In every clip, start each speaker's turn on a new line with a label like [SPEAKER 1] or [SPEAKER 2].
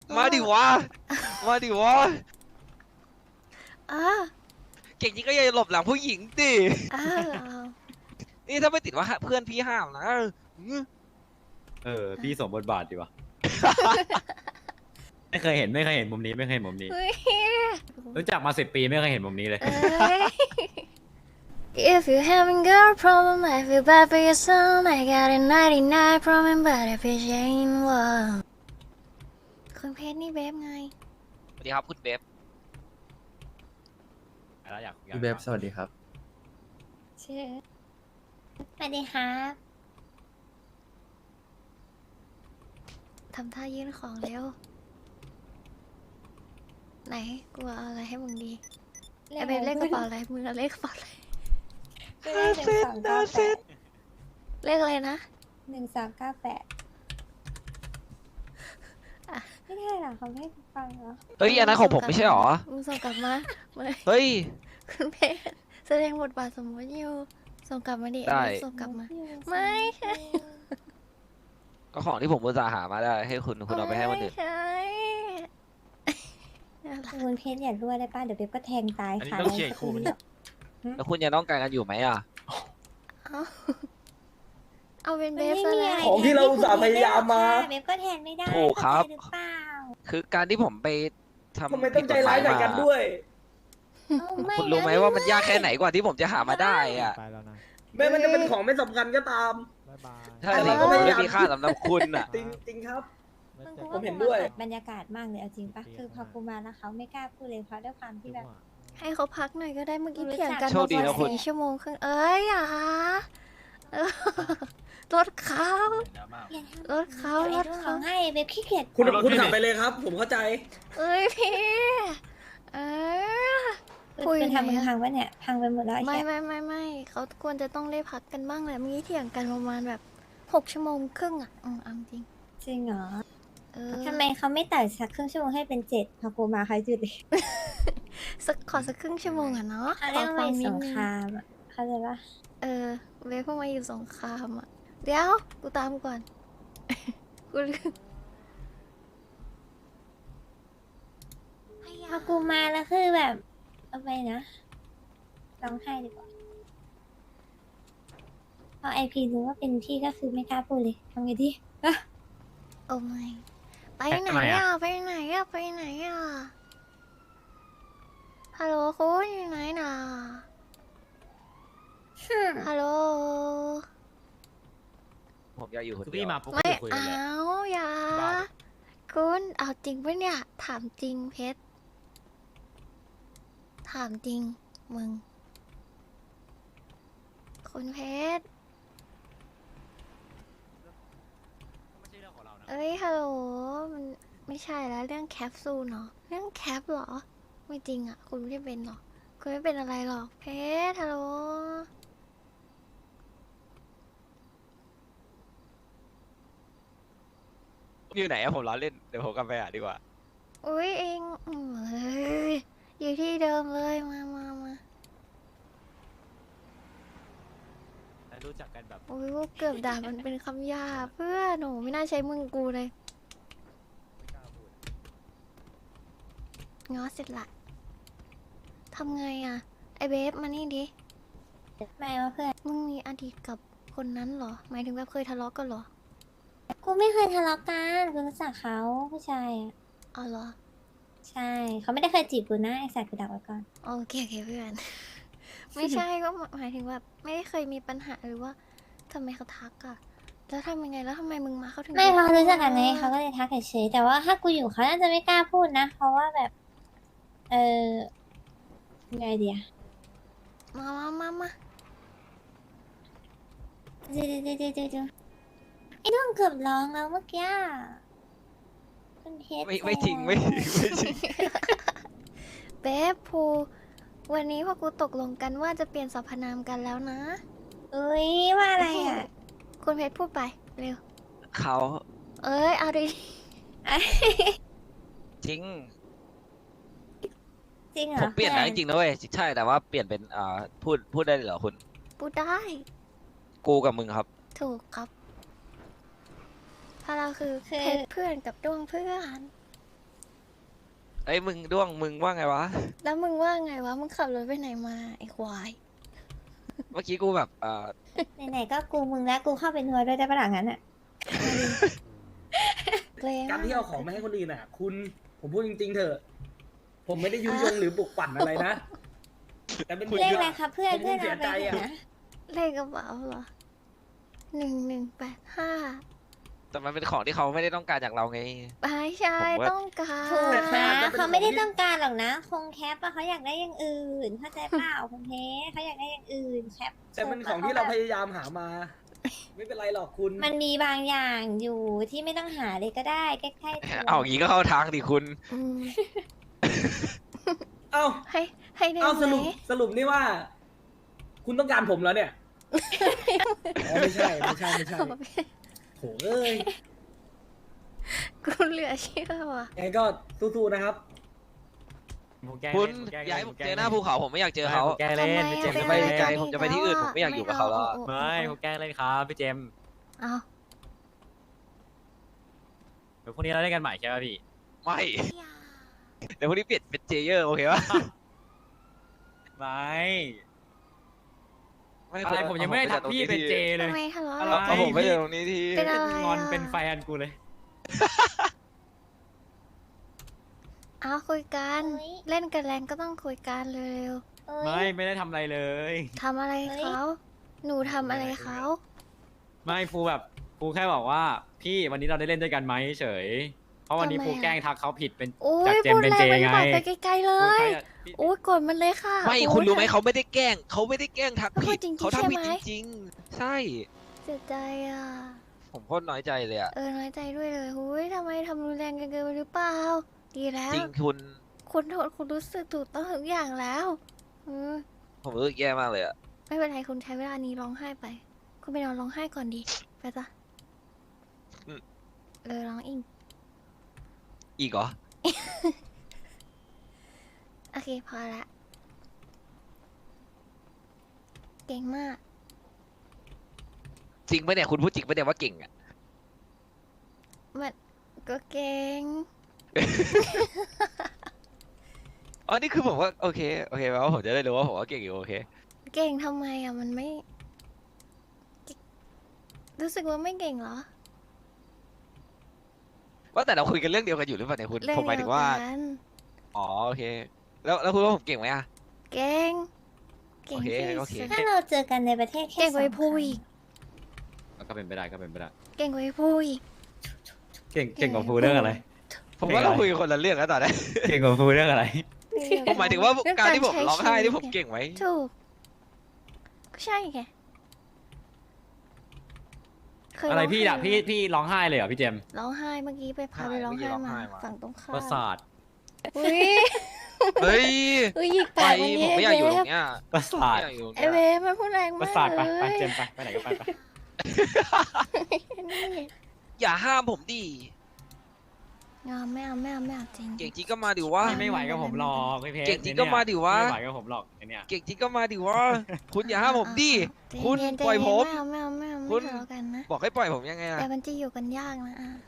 [SPEAKER 1] มาดิวะมาดิวะ
[SPEAKER 2] อ่า
[SPEAKER 1] เก่งจริงก็อย่าหลบหลังผู้หญิงดิ
[SPEAKER 2] อ่า
[SPEAKER 1] นี่ถ้าไม่ติดว่าเพื่อนพี่ห้ามนะ
[SPEAKER 3] พี่สมบทบาทดีวะ ไม่เคยเห็นมุมนี้ไม่เคยเห็นมุมนี้
[SPEAKER 2] เฮ้ย
[SPEAKER 3] รู้จักมา10 ปีไม่เคยเห็นมุมนี้เลย
[SPEAKER 2] เอ้ย If you having girl problem I feel bad for your son I got a 99 problem but if it ain't one คุณเพชรนี่เบฟไง
[SPEAKER 1] สวัสดีครับคุณเบฟ
[SPEAKER 3] แล้วอยาก
[SPEAKER 4] พี่เบฟสวัสดีครับ
[SPEAKER 2] ชื่อสวัสดีครับทำท่ายื่นของเร็ว ไหนกูเอาอะไรให้มึงดีไอเบฟเลขกระเป๋าอะไรมึงเอาเลขกระเป๋าอะไร
[SPEAKER 5] ก็ได้1398
[SPEAKER 2] เลขอะไรนะ
[SPEAKER 5] 1398ไม่ได้หรอเขาไม่ให้ฟังเหรอ
[SPEAKER 1] เฮ้ยอันนั้นของผมไม่ใช่หรอ
[SPEAKER 2] มึงส่งกลับมาไม่
[SPEAKER 1] เฮ้ย
[SPEAKER 2] คุณเพชรแสดงบทบาทสมมติอยู่ส่งกลับมาดิ
[SPEAKER 1] ได้
[SPEAKER 2] ส่งกลับมา ไม่ใช่
[SPEAKER 1] ก็ของที่ผมอุตส่าห์หามาได้ให้คุณเอาไปให้คนอื่น
[SPEAKER 2] ไม่ใช่อะไร
[SPEAKER 5] คุณเพชรอย่ารั่วได้ป้ะเดี๋ยวเบบก็แทงตาย
[SPEAKER 3] อันนี้
[SPEAKER 5] ค่ะ
[SPEAKER 3] ต้องเคลียร์คู่มัน
[SPEAKER 1] แล้วคุณยังต้องการกันอยู่ไหมอ่ะ
[SPEAKER 2] เอาเป็นเบฟซะ
[SPEAKER 5] ไม่มี
[SPEAKER 2] แล้
[SPEAKER 5] อะไร
[SPEAKER 2] ว
[SPEAKER 6] ของที่เราอุตส่าห์พยายามมา
[SPEAKER 5] เบบก็แทงไม่ได้
[SPEAKER 1] ถูกครับ
[SPEAKER 5] เข้าใจหรือเปล่า
[SPEAKER 1] คือการที่ผมไปทำ
[SPEAKER 6] ทำไมต้องใจร้ายใส่กันด้วย
[SPEAKER 5] เอาไม่
[SPEAKER 1] คุณรู้ไหม
[SPEAKER 5] นะ
[SPEAKER 1] ว่ามันยากแค่ไหนกว่าที่ผมจะหามาได้อ่ะ
[SPEAKER 7] ไปแล้วนะ
[SPEAKER 6] แม้มันจะเป็นของไม่สำคัญก็ตาม
[SPEAKER 7] บ๊ายบาย
[SPEAKER 1] ใช่สิผมไม่ได้มีค่าสำหรับคุณอ่ะ
[SPEAKER 6] จริงจริงครับ
[SPEAKER 7] ไม่
[SPEAKER 5] มึง
[SPEAKER 7] เจ
[SPEAKER 5] กู
[SPEAKER 7] อ
[SPEAKER 5] ว่า
[SPEAKER 6] ผมเห็นด้วย
[SPEAKER 5] บรรยากาศมากเลยเอาจริงปะคือพอกูมาแล้วเขาไม่กล้าพูดเลยเพราะด้วยความที่แบบ
[SPEAKER 2] ให้เขาพักหน่อยก็ได้เมื่อกี้
[SPEAKER 5] รู้จัก
[SPEAKER 2] เถียงกัน
[SPEAKER 1] โชคดีนะคุณ
[SPEAKER 2] 4 ชั่วโมงครึ่งเอ้ยอย่าเออรถเขา
[SPEAKER 5] อย่าทำ
[SPEAKER 2] รถเขา
[SPEAKER 5] ดี๋ยวไอ้รุ่นร้องไห้เบบขี้เกียจ
[SPEAKER 6] คุณขับไปเลยครับ ผมเข้าใจ
[SPEAKER 2] เอ้ยพี่เออ คุย
[SPEAKER 5] คุณทำ
[SPEAKER 2] ไหน
[SPEAKER 5] มึง
[SPEAKER 2] อะ
[SPEAKER 5] พังวะเนี่ยพังไปหมดแล้วอ้
[SPEAKER 2] ไม่
[SPEAKER 5] เหี้ย
[SPEAKER 2] ไม่เขาควรจะต้องได้พักกันบ้างแหละเมื่อกี้เถียงกันประมาณแบบ6 ชั่วโมงครึ่งอ่ะเอาจริง
[SPEAKER 5] จริงเหรอ
[SPEAKER 2] เออ
[SPEAKER 5] ทำไมเขาไม่ตัดสักครึ่งชั่วโมงให้เป็น7พอกูมาเขาจุดเลย
[SPEAKER 2] ขอสักครึ่งชั่วโมงอ่ะเนาะ
[SPEAKER 5] เขาเรียก
[SPEAKER 2] ขอ
[SPEAKER 5] ว่า
[SPEAKER 2] ฟังนิ
[SPEAKER 5] ส
[SPEAKER 2] ด
[SPEAKER 5] ง
[SPEAKER 2] นึ
[SPEAKER 5] ครามอ่ะเขาใจปะ
[SPEAKER 2] เออเวฟเพิ่งมาอยู่สงครามอ่ะเดี๋ยวกูตามก่อน กูลืม
[SPEAKER 5] พอกูมาแล้วคือแบบเอาไปนะร้องไห้ดีกว่าพอไอพีรู้ว่าเป็นพี่ก็คือไม่กล้าพูดเลยทำไงดี
[SPEAKER 2] โอ้ไม่ไปไหน
[SPEAKER 3] ทำไมอะ
[SPEAKER 2] อ่ะไปไหนอ่ะไปไหนอ่ะฮัลโหลคุณอยู่ไหนน่ะฮัลโหล
[SPEAKER 1] ผมอยากอยู่คน
[SPEAKER 3] คือ
[SPEAKER 1] เดี
[SPEAKER 3] พี่
[SPEAKER 1] ยว
[SPEAKER 3] มาปุ๊บ
[SPEAKER 2] ไม่
[SPEAKER 3] ก็คุยกัน
[SPEAKER 2] เอา
[SPEAKER 3] เลย
[SPEAKER 2] อย่า
[SPEAKER 3] บ้าดิ
[SPEAKER 2] คุณเอาจริงปะเนี่ย ถามจริงเพชร ถามจริง มึง คุณเพชร
[SPEAKER 3] ไม่ใช่เรื่องของเรานะ
[SPEAKER 2] เอ้ย ฮัลโหล มันไม่ใช่แล้วเรื่องแคปซูลเนาะเรื่องแคปเหรอ ไม่จริงอ่ะ คุณไม่ได้เป็นหรอก คุณไม่เป็นอะไรหรอก เพชร ฮัลโหล
[SPEAKER 1] อยู่ไหนอะผมล้อเล่นเดี๋ยวผมกลับไปหาดีกว่า
[SPEAKER 2] อุ้ยเองเอ้ยอยู่ที่เดิมเลย มา
[SPEAKER 3] รู้จักกันแบบ
[SPEAKER 2] อุ้ยกูเกือบด่ามันเป็นคำหยาบเพื่อนหนูไม่น่าใช้มึงกูเลยง้อเสร็จละทำไงอ่ะ ไอเบฟมานี่ดิ
[SPEAKER 5] ไม่ว่าเพื่อน
[SPEAKER 2] มึงมีอดีตกับคนนั้นเหรอ หมายถึงแบบเคยทะเลาะกันเหรอ
[SPEAKER 5] กูไม่เคยทะเลาะกันกูรู้จักเขาผู้ชายอ่ะ
[SPEAKER 2] อ๋อเหรอ
[SPEAKER 5] ใช่เขาไม่ได้เคยจีบกูนะไอสัตว์กูดักไว้ก่อน
[SPEAKER 2] โอเคเพื่อน ไม่ใช่ก็หมายถึงแบบไม่ได้เคยมีปัญหาหรือว่าทำไมเขาทักอะแล้วทำยังไงแล้วทำไมมึงมาเขาถึง
[SPEAKER 5] ไม่เพราะรู้จักกันไงเขาก็เลยทักเฉยๆแต่ว่าถ้ากูอยู่เขาน่าจะไม่กล้าพูดนะ เพราะว่าแบบ เออไงเดีย
[SPEAKER 2] มา
[SPEAKER 5] เดี๋ยวไอ้น้องเกือบร้องแล้วเมื่อกี้คุณเพชร
[SPEAKER 1] ไม่จริงไม่จริงไม่จริง
[SPEAKER 2] เบฟภูวันนี้พวกกูตกลงกันว่าจะเปลี่ยนสรรพนามกันแล้วนะ
[SPEAKER 5] อุ้ยว่าอะไรอ่ะ
[SPEAKER 2] คุณเพชรพูดไปเร็ว
[SPEAKER 1] เขา
[SPEAKER 2] เอ้ยเอาดิ
[SPEAKER 1] จริง
[SPEAKER 5] จริงเหร
[SPEAKER 1] ผ
[SPEAKER 5] อ
[SPEAKER 1] มเปลี่ยนนะจริงๆนะเว้ยใช่แต่ว่าเปลี่ยนเป็นพูดได้เลยเหรอคุณ
[SPEAKER 2] พูดได้
[SPEAKER 1] กูกับมึงครับ
[SPEAKER 2] ถูกครับเพราะเราคือเพชรเพื่อนกับดวงเพื่อน
[SPEAKER 1] เฮ้ยมึงด้วงมึงว่าไงวะ
[SPEAKER 2] แล้วมึงว่าไงวะ มึงขับรถไปไหนมาไอ้ควาย
[SPEAKER 1] เมื่อกี้กูแบบ
[SPEAKER 5] ไหนๆก็กูมึงแล้วกูเข้าไปนัวด้วยได้ปะหลังนั้นอ่ะ
[SPEAKER 2] เลย
[SPEAKER 6] การที่เอาของมาให้คนอื่นอ่ะ คุณผมพูดจริงๆเถอะ ผมไม่ได้ยุยงหรือปลุกปั่นอะไรนะ แต่เป็น
[SPEAKER 5] เลขอะไรครับเพื่อน
[SPEAKER 6] ผม
[SPEAKER 5] เพื่อน
[SPEAKER 6] เสี
[SPEAKER 5] เอา
[SPEAKER 6] ย
[SPEAKER 5] ไป
[SPEAKER 6] ใจ
[SPEAKER 5] เถ
[SPEAKER 6] อ่ะ
[SPEAKER 5] อะนะ
[SPEAKER 2] เลขกระเป๋าเหรอ1185
[SPEAKER 1] แต่มันเป็นของที่เขาไม่ได้ต้องการจากเราไง
[SPEAKER 2] ไม่ใช่
[SPEAKER 1] ผมว่า
[SPEAKER 2] ต้องการ
[SPEAKER 5] ถูกนะเขาไม่ได้ต้องการหรอกนะ คงแคปอะเขาอยากได้อย่างอื่นเข้าใจเปล่าคุณเทเขาอยากได้อย่างอื่นแคป
[SPEAKER 6] แต่เป็นของที่เราพยายามหามา ไม่เป็นไรหรอกคุณ
[SPEAKER 5] มันมีบางอย่างอยู่ที่ไม่ต้องหาเลยก็ได้ใกล้ๆตัว
[SPEAKER 1] เอาอย่างนี้ก็เข้าทางดิคุณ
[SPEAKER 2] อืม
[SPEAKER 6] เอ้า
[SPEAKER 2] ให้ได้
[SPEAKER 6] เอ้า
[SPEAKER 2] ไห
[SPEAKER 6] ส
[SPEAKER 2] ม
[SPEAKER 6] รุปนี่ว่า คุณต้องการผมแล้วเนี่ยอ๋อไม่ใช่โถเอ้ย
[SPEAKER 2] กูเหลือเชื่อว่ะ
[SPEAKER 6] ไงก็สู้ๆนะครับ
[SPEAKER 3] ผมแกล้ง
[SPEAKER 1] คุณ
[SPEAKER 3] เล่นผมแกล้ง
[SPEAKER 1] ย้าย
[SPEAKER 3] เล่น
[SPEAKER 1] ผม
[SPEAKER 3] แกล้
[SPEAKER 1] เจ
[SPEAKER 3] ง
[SPEAKER 1] อหน้าภูเขาผมไม่อยากเจอเขา
[SPEAKER 3] ผมแกล้งเล่น
[SPEAKER 2] ทำไม
[SPEAKER 3] พี่เจมส์
[SPEAKER 1] จะ
[SPEAKER 3] จะ
[SPEAKER 1] ไป
[SPEAKER 3] ไป
[SPEAKER 1] ไกลผมจะไปที่อื่นผมไม่อยากอยู่กับเขาแล้วอะ
[SPEAKER 3] ไม่ผมแกล้งเล่นครับพี่เจมส์
[SPEAKER 2] เอา
[SPEAKER 3] เดี๋ยวพรุ่งนี้เราเล่นกันใหม่ใช่ป่ะพี่
[SPEAKER 1] ไม่ เดี๋ยวพรุ่งนี้เปลี่ยนเป็นเจเยอร์โอเคปะ
[SPEAKER 3] ไม่
[SPEAKER 1] ไม่
[SPEAKER 3] อะไรผมยังไม่ได้ทักพี่เป็นเจเลย
[SPEAKER 2] ทำไมทะเลาะ
[SPEAKER 3] อะไร
[SPEAKER 1] เอาผมไปเจอตรงนี้ที
[SPEAKER 2] เป็นอะไร
[SPEAKER 3] งอน
[SPEAKER 2] อะ
[SPEAKER 3] เป็นแฟนกูเลย
[SPEAKER 2] เอาคุยกัน
[SPEAKER 5] เฮ้ย
[SPEAKER 2] เล่นกันแรงก็ต้องคุยกันเร็ว
[SPEAKER 5] เอ้ย
[SPEAKER 3] ไม่ได้ทำอะไรเลย
[SPEAKER 2] ๆทำอะไรเขา หนูทำอะไรเขา
[SPEAKER 3] ไม่ฟูแบบฟูแค่บอกว่าพี่วันนี้เราได้เล่นด้วยกันไหมเฉย เพราะวันนี้ฟูแกล้งทักเขาผิดเป็น
[SPEAKER 2] โอ้
[SPEAKER 3] จาก
[SPEAKER 2] ย
[SPEAKER 3] เจม
[SPEAKER 2] พูด
[SPEAKER 3] เป็น
[SPEAKER 2] แร
[SPEAKER 3] เจ
[SPEAKER 2] งไปหรือ
[SPEAKER 3] ไง
[SPEAKER 2] เปล่าไปไกลๆเลย
[SPEAKER 3] พี่
[SPEAKER 2] โอ้ยกดมันเลยค่ะ
[SPEAKER 1] ไม่
[SPEAKER 2] โอ้ย
[SPEAKER 1] คุณรู้ไหมเขาไม่ได้แกล้งเขาไม่ได้แกล้งทัก
[SPEAKER 2] เขาพู
[SPEAKER 1] ผิ
[SPEAKER 2] ด
[SPEAKER 1] ด
[SPEAKER 2] จริงๆ
[SPEAKER 1] เขาทำผิด
[SPEAKER 2] ใช่ไหม
[SPEAKER 1] จริงๆใช่
[SPEAKER 2] เสียใจอ่ะ
[SPEAKER 1] ผมโคตรน้อยใจเลยอะ
[SPEAKER 2] น้อยใจด้วยเลยหุ้ยทำไมทำรุนแรงกันเกินไปหรือเปล่า ดีแล้ว
[SPEAKER 1] จริงคุณ
[SPEAKER 2] คุณโทษคุณรู้สึกถูกต้องทุกอย่างแล้วอ
[SPEAKER 1] ผมรู้สึกแย่มากเลยอะ
[SPEAKER 2] ไม่เป็นไรคุณใช้เวลานี้ร้องไห้ไป คุณไปนอนร้องไห้ก่อนดีไปจ้ะร้องอีก
[SPEAKER 1] อีกเหรอ
[SPEAKER 2] โอเคพอละเก่งมาก
[SPEAKER 1] จริงปะเนี่ยคุณพูดจริงปะเนี่ยว่าเก่งอะ
[SPEAKER 2] มันก็เก่ง
[SPEAKER 1] อ๋อนี่คือผมว่าโอเคแปลว่าผมจะได้รู้ว่าผมว่าเก่งอยู่โอเค
[SPEAKER 2] เก่งทำไมอ่ะมันไม่ รู้สึกว่าไม่เก่งเหรอ
[SPEAKER 1] ว่าแต่เราคุยกันเรื่องเดียวกันอยู่หรือเปล่าเนี่ยคุณ
[SPEAKER 2] เรื่อง
[SPEAKER 1] ผมหมายถึงว่า
[SPEAKER 2] เดียกัน
[SPEAKER 1] อ๋อโอเค แล้วคุณว่าผมเก่งไหมอะ
[SPEAKER 2] เก่งเก่ง
[SPEAKER 1] โอเค
[SPEAKER 2] ที่
[SPEAKER 1] โอเค
[SPEAKER 2] สุด
[SPEAKER 5] ถ้าเราเจอกันในประเทศแค่
[SPEAKER 2] เก่ง
[SPEAKER 5] ส
[SPEAKER 2] กว่า
[SPEAKER 5] อง
[SPEAKER 2] ไอ้ผู้อีก
[SPEAKER 3] ก็เป็นไปได้ก็เป็นไปได้
[SPEAKER 2] เก่งกว่าไอ้ผู้อีก
[SPEAKER 3] เก่งกว่าฟูเรื่องอะไร
[SPEAKER 1] ผมว่าเราคุยกันคนละเรื่องแล้วตอนนี้
[SPEAKER 3] เก่งกว่าฟูเรื่องอะไร
[SPEAKER 1] ผมหมายถึงว่า
[SPEAKER 2] เรื่อง
[SPEAKER 1] การที่ผม
[SPEAKER 2] ใช้
[SPEAKER 1] ร้องไห้
[SPEAKER 2] ชีวิต
[SPEAKER 1] ที่ผมเก่งไหม
[SPEAKER 2] ถูกก็ใช่ไงเคย
[SPEAKER 3] อะไรพี่
[SPEAKER 2] ง
[SPEAKER 3] อะ
[SPEAKER 2] ไห้
[SPEAKER 3] พี่ร้องไห้เลยเหรอพี่เจมส์
[SPEAKER 2] ร้องไห้เมื่อกี้ไปพาไปร้องไห้มาฝั่งตรงข้าม
[SPEAKER 3] ประสาท
[SPEAKER 2] อุ้ย
[SPEAKER 1] เฮ้ย
[SPEAKER 2] อุ้ยหยิก
[SPEAKER 1] ไป
[SPEAKER 2] ปากวัน
[SPEAKER 1] ผ
[SPEAKER 2] นี้
[SPEAKER 1] มไม่อยากอยู่ตรงเนี้ย
[SPEAKER 3] ประ
[SPEAKER 1] ผม
[SPEAKER 3] สาท
[SPEAKER 1] ไม่อยากอยู่ตรง
[SPEAKER 2] ไอ
[SPEAKER 1] เนี้ย
[SPEAKER 2] เวฟมันพูดแรง
[SPEAKER 3] ประ
[SPEAKER 2] มาก
[SPEAKER 3] สาทไป
[SPEAKER 2] เลย
[SPEAKER 3] ไปเจมส์ไปไหนก็ไปไป
[SPEAKER 2] นี่
[SPEAKER 1] อย่าห้ามผมดิ
[SPEAKER 2] ไม่เอาจริง
[SPEAKER 1] เก่งจริงก็มาดิวะ
[SPEAKER 3] พี่ไม่ไหวกับผมหรอกพี่เพชร
[SPEAKER 1] เก่งจริงก็มาดิวะ
[SPEAKER 3] ไม่ไหวกับผมหรอกไอเนี่ย
[SPEAKER 1] เก่งจริงก็มาดิวะคุณอย่าห้ามผมดิ
[SPEAKER 2] ใจ
[SPEAKER 1] คุณ
[SPEAKER 2] เนๆ
[SPEAKER 1] ปล่อยผม
[SPEAKER 2] ไม่เอา
[SPEAKER 1] คุ
[SPEAKER 2] ไม่
[SPEAKER 1] ณ
[SPEAKER 2] ทะเลาะกันนะ
[SPEAKER 1] บอกให้ปล่อยผมยังไงล่ะ
[SPEAKER 2] แต่มันจะอยู่กันยากนะอ่ะ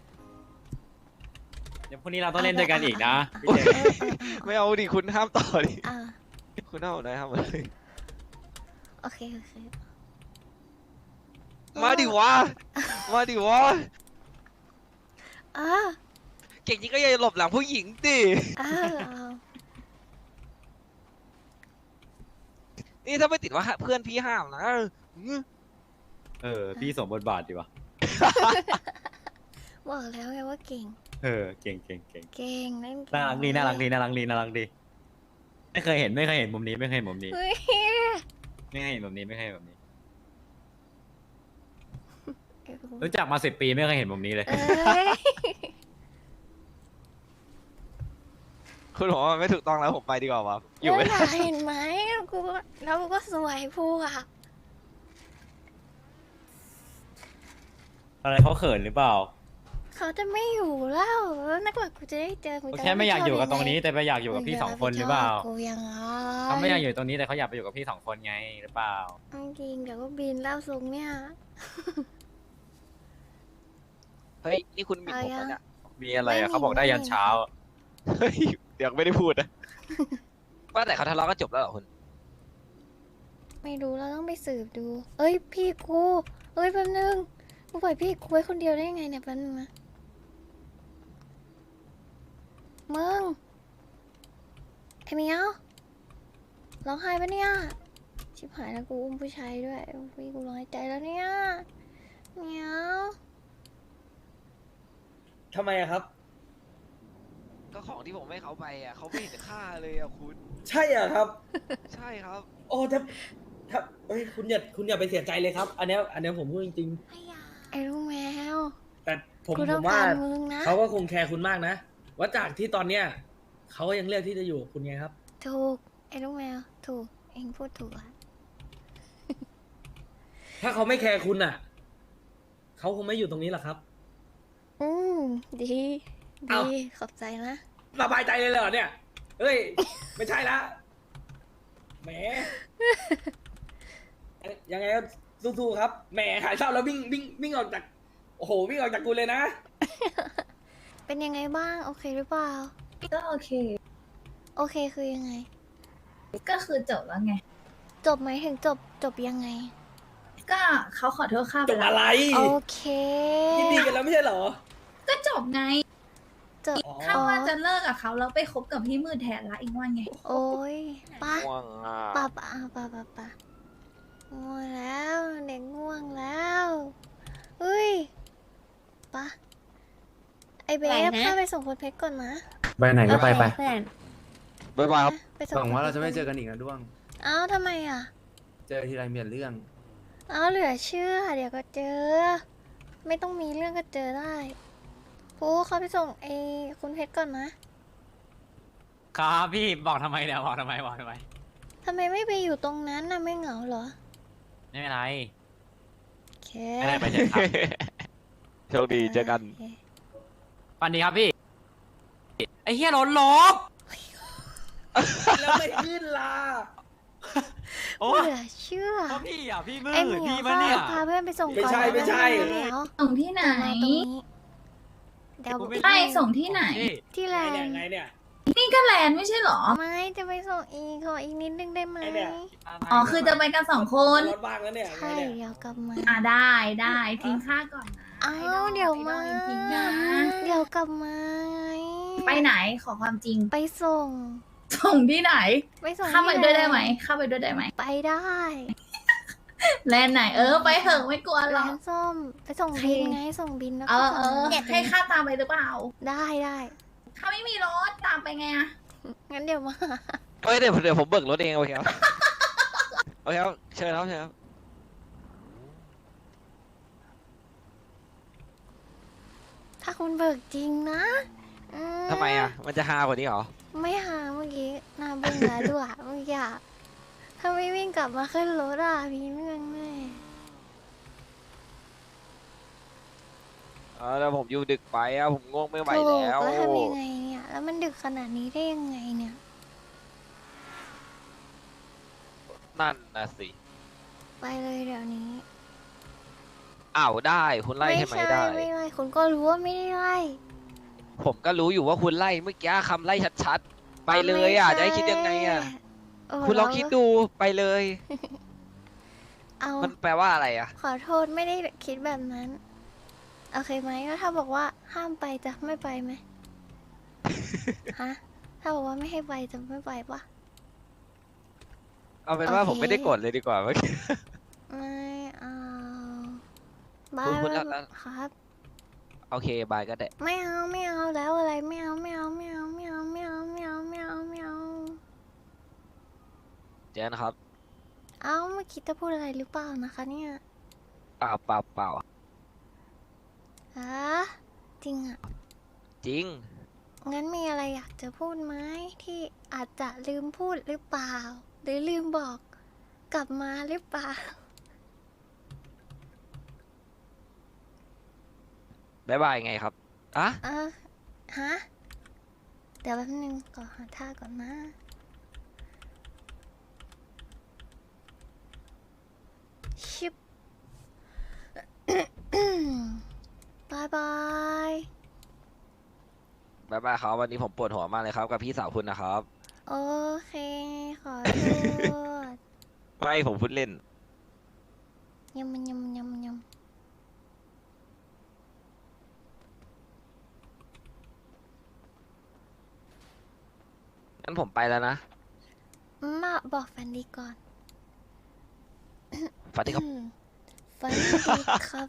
[SPEAKER 3] เดี๋ยวพรุ่งนี้เราต้องเล่นด้วยกันอีกนะพี่
[SPEAKER 2] เอ
[SPEAKER 3] เจ
[SPEAKER 2] อ
[SPEAKER 3] มส์
[SPEAKER 1] ไม่เอาดิคุณห้ามต่อดิ
[SPEAKER 2] อ่ะ
[SPEAKER 1] คุณห้ามผมได้ห้ามผมเลย
[SPEAKER 2] โอเค
[SPEAKER 1] มาดิวะมาดิวะ
[SPEAKER 2] อ่ะ
[SPEAKER 1] เก่งจริงก็อย่าหลบหลังผู้หญิงดิ
[SPEAKER 2] เอา
[SPEAKER 1] นี่ถ้าไม่ติดว่าเพื่อนพี่ห้ามนะ
[SPEAKER 3] พี่สมบทบาทดีวะ
[SPEAKER 2] บอกแล้วไงว่าเก่ง
[SPEAKER 3] เก่ง
[SPEAKER 2] เก่งเล่นเก่ง
[SPEAKER 3] น่ารักดีน่ารักดีน่ารักดีน่ารักดีไม่เคยเห็นมุมนี้ไม่เคยเห็นมุมนี้
[SPEAKER 2] เฮ้ย
[SPEAKER 3] ไม่เคยเห็นมุมนี้ไม่เคยเห็นมุมนี้รู้จักมา10 ปีไม่เคยเห็นมุมนี้เลย
[SPEAKER 2] เอ้ย
[SPEAKER 1] คุณบอกว่าไม่ถูกต้องแล้วผมไปดีกว่าวะอยู่ไม่
[SPEAKER 2] เอ
[SPEAKER 1] ได้
[SPEAKER 2] อเห็นไหมแล้วกูก็สวยพูอ่ะ
[SPEAKER 3] อะไรเขาเขินหรือเปล่า
[SPEAKER 2] เขาจะไม่อยู่แล้วนักหลักกูจะได้เจอ
[SPEAKER 3] เขาแค่ไม่อยากอยู่กับตรงนี้แต่ไปอยากอยู่กับพี่2 คนหรือเปล่า
[SPEAKER 2] กูยังไง
[SPEAKER 3] เขาไม่อยากอยู่ตรงนี้แต่เขาอยากไปอยู่กับพี่2 คนไงหรือเปล่า
[SPEAKER 2] จริงเดี๋ยวก็บินแล้วทรงเนี่ย
[SPEAKER 1] เฮ้ยนี่คุณหมิ่นผมแล้วเนี่ย
[SPEAKER 3] มีอะไรอะเขาบอกได้ยันเช้า
[SPEAKER 1] เฮ้ยยังไม่ได้พูดนะ ว่าแต่เขาทะเลาะกันจบแล้วเหรอคุณ
[SPEAKER 2] ไม่รู้เราต้องไปสืบดู เอ้ยพี่กูเอ้ยแป๊บนึงกูปล่อยพี่กูไว้คนเดียวได้ยังไงเนี่ยแป๊บนึงนะมึงไอ้เมียวร้องไห้ปะเนี่ยชิบหายแล้วกูอุ้มผู้ชายด้วยพี่กูร้องไห้ใจแล้วเนี่ยเมียว
[SPEAKER 6] ทำไมอะครับ
[SPEAKER 1] ก็ของที่ผมให้เขาไปอ่ะเขาไม่เห็นค่าเลยอ่ะคุณ
[SPEAKER 6] ใช่อะครับ
[SPEAKER 1] ใช่ครับ
[SPEAKER 6] โอ้ถ้าเอ้ยคุณอย่าไปเสียใจเลยครับ อันเนี้ยผมพูดจริง
[SPEAKER 2] ไอ้ลูกแมว
[SPEAKER 6] ๆ แต่ผม
[SPEAKER 2] กูต้อง
[SPEAKER 6] ว่า
[SPEAKER 2] การมึงนะ
[SPEAKER 6] เขาก็คงแคร์คุณมากนะว่าจากที่ตอนเนี้ยเขาก็ยังเลือกที่จะอยู่กับคุณไงครับ
[SPEAKER 2] ถูกไอ้ลูกแมวถูกเองพูดถูกอะ
[SPEAKER 6] ถ้าเขาไม่แคร์คุณอ่ะเขาคงไม่อยู่ตรงนี้หรอกครับ
[SPEAKER 2] อืมดี
[SPEAKER 6] เอ้า
[SPEAKER 2] ดีขอบใจนะ
[SPEAKER 6] สบายใจเลยเหรอเนี่ย เฮ้ย ไม่ใช่ละแหม ยังไงก็สู้ๆครับ แหมหายเศร้าแล้ววิ่งออกจาก โอ้โห วิ่งออกจากกูเลยนะ
[SPEAKER 2] เป็นยังไงบ้างโอเคหรือเปล่า
[SPEAKER 4] ก็โอเค
[SPEAKER 2] โอเคคือยังไง
[SPEAKER 4] ก็คือจบแล้วไง
[SPEAKER 2] จบไหมถึงจบยังไง
[SPEAKER 4] ก็เขาขอโทษข้า
[SPEAKER 6] จ
[SPEAKER 4] ไป
[SPEAKER 6] บ
[SPEAKER 4] แล้
[SPEAKER 6] อะ
[SPEAKER 4] ว
[SPEAKER 6] ไร
[SPEAKER 2] โอเค
[SPEAKER 6] ยินดีกันแล้วไม่ใช่เหรอ
[SPEAKER 4] ก็จบไง
[SPEAKER 2] จบ
[SPEAKER 6] อ๋อ
[SPEAKER 4] ข้าว่าจะเลิกกับเขาแล้วไปคบกับพี่มืดแทนละอีกว่าไง
[SPEAKER 2] โอ้ยปะ
[SPEAKER 1] ง่วงอ่ะ
[SPEAKER 2] ปะง่วงแล้วเด็กง่วงแล้วเฮ้ยปะไอเบ
[SPEAKER 5] ไหน
[SPEAKER 2] ฟ
[SPEAKER 5] นะ
[SPEAKER 2] ข้าไปส่งคนเพชรก่อนนะ
[SPEAKER 7] ไปไหนก็ไปไป
[SPEAKER 5] เพื่อน
[SPEAKER 1] บ๊ายบายครับ
[SPEAKER 2] ไปส่ง
[SPEAKER 7] หวังว่าเรา
[SPEAKER 2] คนพช
[SPEAKER 7] จะไม่เจอกันอีกนะด้วง
[SPEAKER 2] เอ้าทำไมอ่ะ
[SPEAKER 7] เจอทีไรมีแต่เรื่อง
[SPEAKER 2] เอ้าเหลือเชื่อเดี๋ยวก็เจอ ไม่ต้องมีเรื่องก็เจอได้พูเขาไปส่งไอ้คุณเพชรก่อนนะครับ
[SPEAKER 3] พี่บอกทำไมเนี่ยบอกทำไม
[SPEAKER 2] ทำไมไม่ไปอยู่ตรงนั้นน่ะไม่เหงาเหรอ
[SPEAKER 3] ไม่เป็นไร
[SPEAKER 2] โอเค
[SPEAKER 3] ไม่ได้ไปเจอครับ
[SPEAKER 1] โชคดีเจอกัน
[SPEAKER 2] โอเค
[SPEAKER 3] วันดีครับพี่ ไอ้เฮียรถลบ
[SPEAKER 6] แล้วไม่ขึ้นล่ะ
[SPEAKER 3] โอ้
[SPEAKER 2] เหลือเชื่อ
[SPEAKER 3] เพราะพี่อ่ะพี่มื
[SPEAKER 2] ไอ้
[SPEAKER 3] ด
[SPEAKER 2] เหมียว
[SPEAKER 3] พี่
[SPEAKER 2] ก็
[SPEAKER 3] มาเนี่ย
[SPEAKER 2] พาเพื่อนไปส่ง
[SPEAKER 6] ไม่
[SPEAKER 2] ก่อน
[SPEAKER 6] ใช่
[SPEAKER 2] นะ
[SPEAKER 6] ไม่ใช่
[SPEAKER 2] เหมียว
[SPEAKER 4] ส่งที่ไหน
[SPEAKER 2] มาตรงนี้เดี๋ยว
[SPEAKER 3] กูไม่
[SPEAKER 4] ใช่ส่งที่ไหน
[SPEAKER 3] พี่
[SPEAKER 2] ที่แล
[SPEAKER 6] ไง
[SPEAKER 2] น
[SPEAKER 6] เนี่ย
[SPEAKER 2] ด์
[SPEAKER 6] ไงเนี่ย
[SPEAKER 4] นี่ก็แลนด์ไม่ใช่เหรอ
[SPEAKER 2] ไม่จะไปส่งอีกขออีกนิดนึงได้ไหม
[SPEAKER 6] ไอ้เนี่ย
[SPEAKER 4] อ๋อ คือจะไปกัน2 คน
[SPEAKER 6] รถบ้างแล้วเนี่ยไง
[SPEAKER 2] ใช่
[SPEAKER 6] เนี่ย
[SPEAKER 2] เดี๋ยวกลับมา
[SPEAKER 4] ได้ทิ้งข้าก่อนนะ
[SPEAKER 2] อ้า
[SPEAKER 4] ไอด
[SPEAKER 2] ว
[SPEAKER 4] อล
[SPEAKER 2] เดี๋ยวมา
[SPEAKER 4] ไอดอลจริงๆนะ
[SPEAKER 2] เดี๋ยวกลับมาไง
[SPEAKER 4] ไปไหนขอความจริง
[SPEAKER 2] ไปส่ง
[SPEAKER 4] ส่งที่ไหน
[SPEAKER 2] ไปส่ง
[SPEAKER 4] เข้าไป
[SPEAKER 2] ที่
[SPEAKER 4] ด้วยได้ไหม
[SPEAKER 2] แลน
[SPEAKER 4] เข้าไปด้วยได้ไหม
[SPEAKER 2] ไปได้
[SPEAKER 4] แลนด์ไหน ไปเถอะไม่กลัวหร
[SPEAKER 2] ร้า
[SPEAKER 4] อก
[SPEAKER 2] นส้มไปส่ง
[SPEAKER 4] ใคร
[SPEAKER 2] บินไงส่งบินแล้ว
[SPEAKER 4] เอ
[SPEAKER 2] ก็
[SPEAKER 4] อ
[SPEAKER 2] ส่ง
[SPEAKER 4] ให้ข้าตามไปหรือเปล่า
[SPEAKER 2] ได้ได้
[SPEAKER 4] ข้าไม่มีรถตามไปไงอะ
[SPEAKER 2] งั้นเดี๋ยวมา
[SPEAKER 1] เฮ้ยเดี๋ยวผมเบิกรถเองโอเคครับ โอเคครับเชิญครับเชิญครับ
[SPEAKER 2] ถ้าคุณเบิกจริงนะอื
[SPEAKER 1] ทำไมอ่ะ มันจะฮากว่านี้เหรอ
[SPEAKER 2] ไม่หาเมื่อกี้หน้าบึ้งแล้วด้วยเมื่อกี้อะถ้าไม่วิ่งกลับมาขึ้นรถอ่ะมีเรื่องแน่
[SPEAKER 1] แล้วผมอยู่ดึกไปอ่ะ ผมง่วงไม่ไหว
[SPEAKER 2] ถูก
[SPEAKER 1] แล้ว
[SPEAKER 2] แล้วทำยังไงเนี่ย แล้วมันดึกขนาดนี้ได้ยังไงเนี่ย
[SPEAKER 1] นั่นนะสิ
[SPEAKER 2] ไปเลยเดี๋ยวนี้
[SPEAKER 1] อ้าวได้ คุณไล่ใช่ไหมได้
[SPEAKER 2] ไม่ไล่คุณก็รู้ว่าไม่ได้ไล่
[SPEAKER 1] ผมก็รู้อยู่ว่าคุณไล่เมื่อกี้คำไล่ชัดๆ ไปเลยอ่ะ จะให้คิดยังไงอ่ะ
[SPEAKER 2] เออ
[SPEAKER 1] คุณลองคิดดูไปเลย
[SPEAKER 2] เอา
[SPEAKER 1] มันแปลว่าอะไรอ่ะ
[SPEAKER 2] ขอโทษไม่ได้คิดแบบนั้น โอเคไหมก็ถ้าบอกว่าห้ามไปจะไม่ไปไหม ฮะ ถ้าบอกว่าไม่ให้ไปจะไม่ไปปะ
[SPEAKER 1] เอาเป็นว่า
[SPEAKER 2] โอเค
[SPEAKER 1] ผมไม่ได้กดเลยดีกว่าเมื่อกี้
[SPEAKER 2] ไม่เอาบา
[SPEAKER 1] คุณ
[SPEAKER 2] ย
[SPEAKER 1] แล้ว
[SPEAKER 2] ครับ
[SPEAKER 1] โอเคบายก็ได้
[SPEAKER 2] ไม่เอาไม่เอาแล้วอะไรไม่เอาไม่เอาไม่เอาไม่เอาไม่เอาไม่เอาไม่เอาไม่เอา
[SPEAKER 1] เจอนะครับ
[SPEAKER 2] เอาเมื่อกี้จะพูดอะไรหรือเปล่านะคะเนี่ย
[SPEAKER 1] เปล่าเปล่าเปล่า
[SPEAKER 2] ฮะจริงอ่ะ
[SPEAKER 1] จริง
[SPEAKER 2] งั้นมีอะไรอยากจะพูดไหมที่อาจจะลืมพูดหรือเปล่า หรือลืมบอกกลับมาหรือเปล่า
[SPEAKER 1] บ๊ายบายไงครับ อ่ะ
[SPEAKER 2] ฮะ เดี๋ยวแป๊บนึงก่อนหาท่าก่อนนะ ชิบ บายบาย
[SPEAKER 1] บบ๊ายบายครับวันนี้ผมปวดหัวมากเลยครับกับพี่สาวคุณนะครับ
[SPEAKER 2] โอเค ขอโทษ
[SPEAKER 1] ไม่ผมพูดเล่น
[SPEAKER 2] ยำมันยำยำยำ
[SPEAKER 1] งั้นผมไปแล้วนะ
[SPEAKER 2] มาบอกฝันดีก่อน
[SPEAKER 1] ฝันดีครับ
[SPEAKER 2] ฝันดีครับ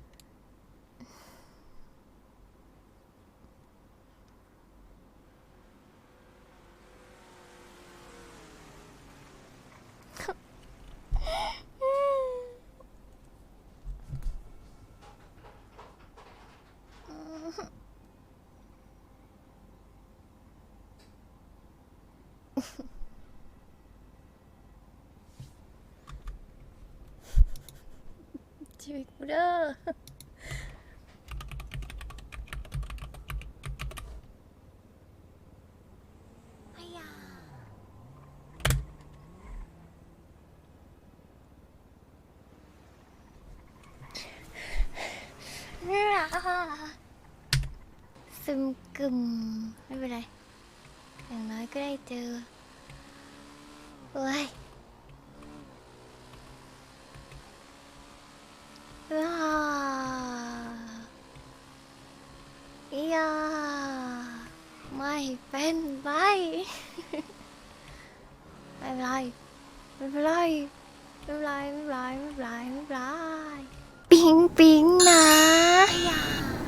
[SPEAKER 2] ชีวิตกูเด้อไอ้ยาซึมกึมไม่เป็นไร อย่างน้อยก็ได้เจอเฮ้ยอย่าไม่เป็นไร ไม่เป็นไรไม่เป็นไรไม่เป็นไรไม่เป็นไรไม่เป็นไรไม่เป็นไรปิ๊งปิ๊งนะอย่า